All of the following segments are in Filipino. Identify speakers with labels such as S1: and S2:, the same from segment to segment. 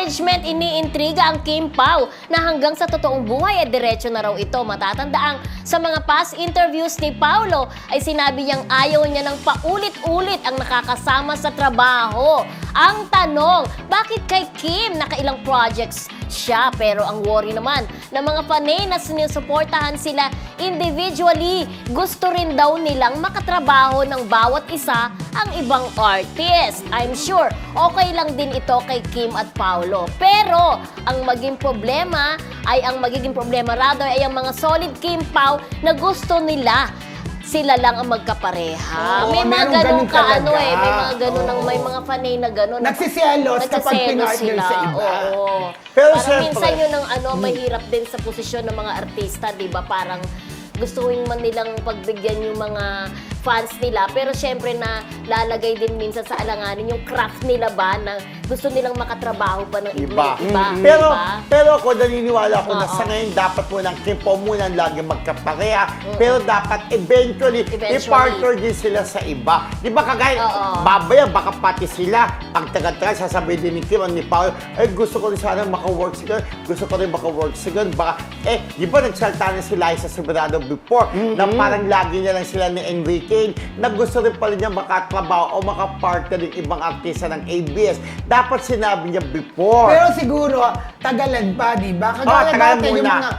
S1: management iniintriga ang Kim Pao na hanggang sa totoong buhay ay diretso na raw ito. Matatandaang sa mga past interviews ni Paolo ay sinabi niyang ayaw niya ng paulit-ulit ang nakakasama sa trabaho. Ang tanong, bakit kay Kim nakailang projects siya? Pero ang worry naman ng mga panay na sinusuportahan sila individually, gusto rin daw nilang makatrabaho ng bawat isa ang ibang artist. I'm sure okay lang din ito kay Kim at Paolo. Pero ang magiging problema ay ang mga solid Kim Pao na gusto nila sila lang ang magkapareha.
S2: Oo,
S1: may mga
S2: meron
S1: ganun
S2: ganun talaga.
S1: may mga fanay na ganun.
S2: Nagsiselos kapag
S1: Nagsiselos
S2: pinartner sa iba.
S1: Oo.
S3: Pero
S1: Parang
S3: syempre,
S1: minsan yun ang mahirap din sa posisyon ng mga artista, di ba? Parang gustuin man nilang pagbigyan yung mga fans nila, pero syempre na lalagay din minsan sa alanganin yung craft nila ba na gusto nilang makatrabaho pa ng iba.
S3: Pero ako naniniwala ko na
S1: Oo.
S3: sa ngayon dapat mo ng Kim Pao muna lagi magkapareha. Pero dapat eventually, i-partner din sila sa iba. Di ba kagaya, babaya, baka pati sila, pag taga-taga, sasabihin din ni Kim o ni Pao, gusto ko rin sana maka-work sila, gusto ko rin maka-work sila. Baka, di ba nagsalta na si Liza Soberano before, na parang lagi niya lang sila ni Enrique, na gusto rin pala niya makatrabaho o makapartner ng ibang artista ng ABS. Dapat sinabi niya before.
S2: Pero siguro, tagalan pa, di ba? Kagaya
S3: tagalan
S2: natin yung
S3: muna.
S2: mga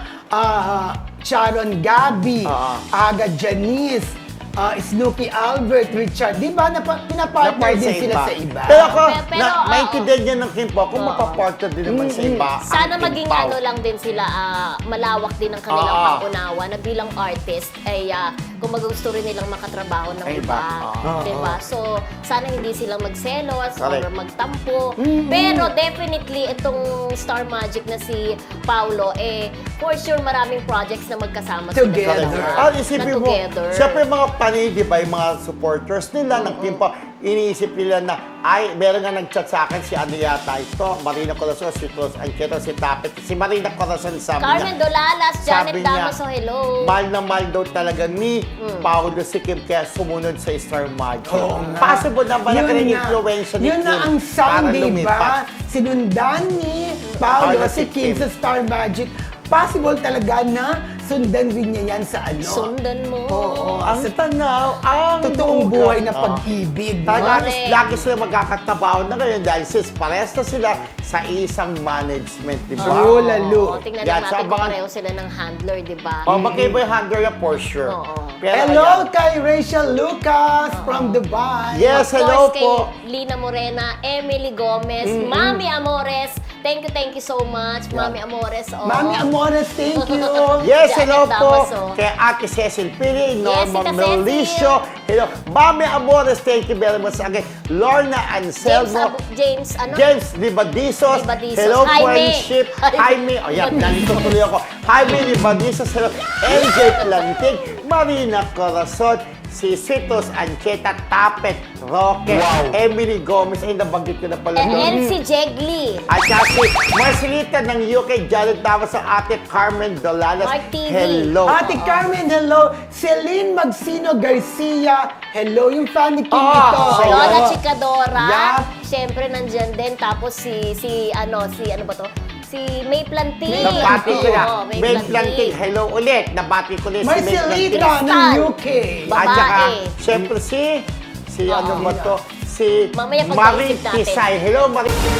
S2: Sharon Gabi, Aga Janice, Snooki Albert, Richard, di ba? Pinapartner din sila sa iba.
S3: Pero ako,
S1: Pero,
S3: maintindihan niya ng Kim Pao kung mapapartner din naman sa iba.
S1: Sana
S3: ang Kim
S1: maging
S3: Pao.
S1: lang din sila, malawak din ang kanilang pangunawa na bilang artist ay kung gusto rin nilang makatrabaho ng
S3: Ay,
S1: iba.
S3: iba.
S1: Diba? So, sana hindi silang magselos or
S3: Correct.
S1: magtampo. Pero definitely, itong Star Magic na si Paolo, for sure maraming projects na magkasama
S2: Together.
S1: sila.
S3: Isipin mo, siyempre mga panay, di ba, yung mga supporters nila ng Kim Pao, iniisip nila na, meron nga nag-chat sa akin, si ano yata ito, Marina Corazon, si Cruz Anqueto, si Tapet, si Marina Corazon, sabi
S1: Carmen
S3: niya,
S1: Dolalas, Janet
S3: sabi niya,
S1: Damaso, hello.
S3: mahal na mahal daw talaga ni Paolo si Kim, kaya sumunod sa Star Magic.
S2: Oo nga.
S3: Possible na ba na
S2: Yun
S3: rin
S2: na.
S3: influensya ni
S2: Yun
S3: Kim
S2: na ang sound,
S3: para
S2: di
S3: lumipat?
S2: ba? Sinundan ni Paolo
S3: Paolo
S2: si
S3: si
S2: Kim
S3: Kim.
S2: sa Star Magic. Possible talaga na sundan rin niya yan sa ano.
S1: Sundan mo.
S2: Oo.
S3: Ang tanaw, ang
S2: Totoong
S3: lugar.
S2: buhay na pag-ibig.
S1: Correct.
S3: Lagi sila magkakatabaho na ngayon dahil parehas na sila sa isang management, di ba?
S2: Oo, lalo.
S1: Tingnan
S3: Yan,
S1: lang
S3: sa
S1: natin kung
S3: abangan-
S1: pareho sila ng handler, di ba?
S3: Magkaiba yung handler na for sure.
S1: Oo.
S3: Pero
S2: Hello
S3: ayan.
S2: kay Rachel Lucas from Dubai.
S3: Yes,
S1: Of
S3: hello
S1: course,
S3: po.
S1: kay Lina Morena, Emily Gomez, Mami Amores, thank you so much, Mami Amores. Oh.
S2: Mami Amores, thank you.
S3: Yes,
S1: Janet
S3: hello po
S1: Damaso.
S3: kay Ate Cecil Pili, Norma
S1: Tita
S3: Melicio. Hello. Mami Amores, thank you very much again. Lorna Anselmo.
S1: James, ano?
S3: James Libadizos.
S1: Libadizos.
S3: Hello,
S1: Jaime.
S3: friendship. Jaime. O yan, nandito tuloy ako. Jaime Libadizos. Hello. MJ Plantig. Marina Corazon. Si Citos Ancheta, Tapet, Roque, Emily Gomez. Ay, nabanggit ko na pala doon.
S1: And si Jegli.
S3: At saka si Marcelita ng UK, Jared Damas sa Ate Carmen Dolalas.
S1: Mark TV.
S3: Hello.
S2: Ate Carmen, hello. Celine Magsino Garcia, hello. Yung fan ni Kim
S3: Ah,
S2: ito.
S3: so
S1: Lola
S2: Hello.
S1: Chikadora.
S2: Yup.
S1: Siyempre, nandyan din. Tapos ano ba to? Si May Planting.
S3: Nabati ko na.
S1: Oo,
S3: May Planting. Hello ulit. Nabati ko na si May Planting.
S2: Marcelita ng
S1: Crystal.
S2: UK.
S1: Ba-
S3: At saka,
S1: Babae.
S3: syempre si ano ba to? Si
S1: Mamaya
S3: Marie
S1: pag-iisip natin.
S3: Tisay. Hello, Marie.